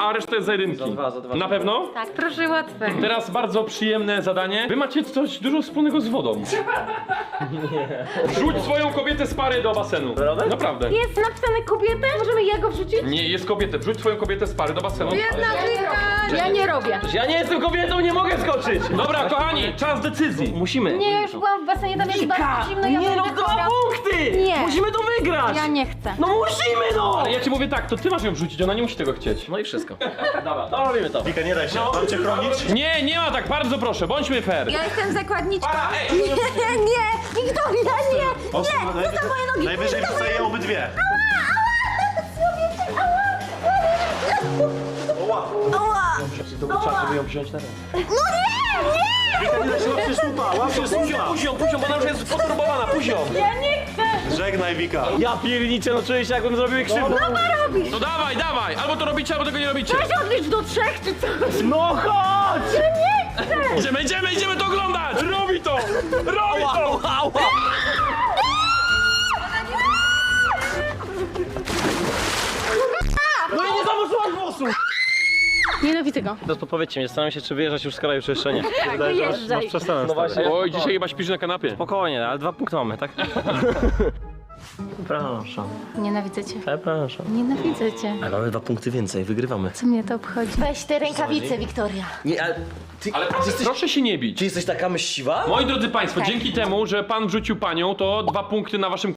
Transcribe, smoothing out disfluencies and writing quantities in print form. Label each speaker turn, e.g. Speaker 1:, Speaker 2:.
Speaker 1: a reszta jest za jedynki.
Speaker 2: za dwa.
Speaker 1: Na pewno?
Speaker 3: Tak, proszę łatwe.
Speaker 1: Teraz bardzo przyjemne zadanie. Wy macie coś dużo wspólnego z wodą. Wrzuć swoją kobietę z pary do basenu.
Speaker 2: Naprawdę?
Speaker 1: Naprawdę.
Speaker 3: Jest napisane kobietę? Możemy jego wrzucić?
Speaker 1: Nie, jest kobietę. Wrzuć swoją kobietę z pary do basenu.
Speaker 3: Ja nie robię.
Speaker 2: Ja nie jestem kobietą, nie mogę skoczyć!
Speaker 1: Dobra, kochani, czas decyzji.
Speaker 2: Musimy.
Speaker 3: Nie, ja już byłam w basenie, tam jest bardzo zimno, ja
Speaker 2: nie no,
Speaker 3: będę
Speaker 2: 2
Speaker 3: chora.
Speaker 2: punkty!
Speaker 3: Nie.
Speaker 2: Musimy to wygrać!
Speaker 3: Ja nie chcę.
Speaker 2: No musimy no!
Speaker 1: Ale ja ci mówię tak, to ty masz ją wrzucić, ona nie musi tego chcieć.
Speaker 2: No i wszystko. Dobra, to robimy to.
Speaker 4: Wika, nie daj się, mam cię chronić.
Speaker 1: Nie, nie ma tak, bardzo proszę, bądźmy fair.
Speaker 3: Ja jestem zakładniczką.
Speaker 1: Para, ej!
Speaker 3: Nie, Wiktoria, nie!
Speaker 4: Ostro,
Speaker 3: Nie, co moje nogi?
Speaker 4: najwyżej wrzucę je obydwie.
Speaker 3: Ała!
Speaker 2: Czas, żeby ją wziąć na rękę.
Speaker 3: No nie!
Speaker 4: Wika, nie daj się, łap się słupa, łap się słupa.
Speaker 1: Puzią, bo ona już jest poturbowana, puzią.
Speaker 3: Ja nie chcę!
Speaker 4: Żegnaj, Wika.
Speaker 2: Ja pierniczę, no czuję się jakbym zrobił krzywdę.
Speaker 3: No robisz!
Speaker 1: No dawaj, dawaj, albo to robicie, albo tego nie robicie.
Speaker 3: Weź odlicz do 3 czy coś!
Speaker 2: No chodź!
Speaker 3: Ja nie chcę!
Speaker 1: Idziemy to oglądać! Robi to! Robi to!
Speaker 2: No i nie założyłaś włosów!
Speaker 3: Nienawidzę go.
Speaker 2: To podpowiedzcie mnie, zastanawiam się, czy wyjeżdżać już z kraju, czy jeszcze nie.
Speaker 3: Wyjeżdżaj.
Speaker 4: Przestanę.
Speaker 2: No właśnie.
Speaker 1: Oj, dzisiaj chyba śpisz na kanapie.
Speaker 2: Spokojnie, ale 2 punkty mamy, tak? Przepraszam,
Speaker 3: Nienawidzę cię.
Speaker 2: przepraszam.
Speaker 3: Nienawidzę cię.
Speaker 2: Ale mamy 2 punkty więcej, wygrywamy.
Speaker 3: Co mnie to obchodzi? Weź te rękawice, Wiktoria.
Speaker 2: Nie, ale ty,
Speaker 1: Ale proszę się nie bić.
Speaker 2: ty jesteś taka myśliwa?
Speaker 1: Moi drodzy państwo, dzięki temu, że pan wrzucił panią, to 2 punkty na waszym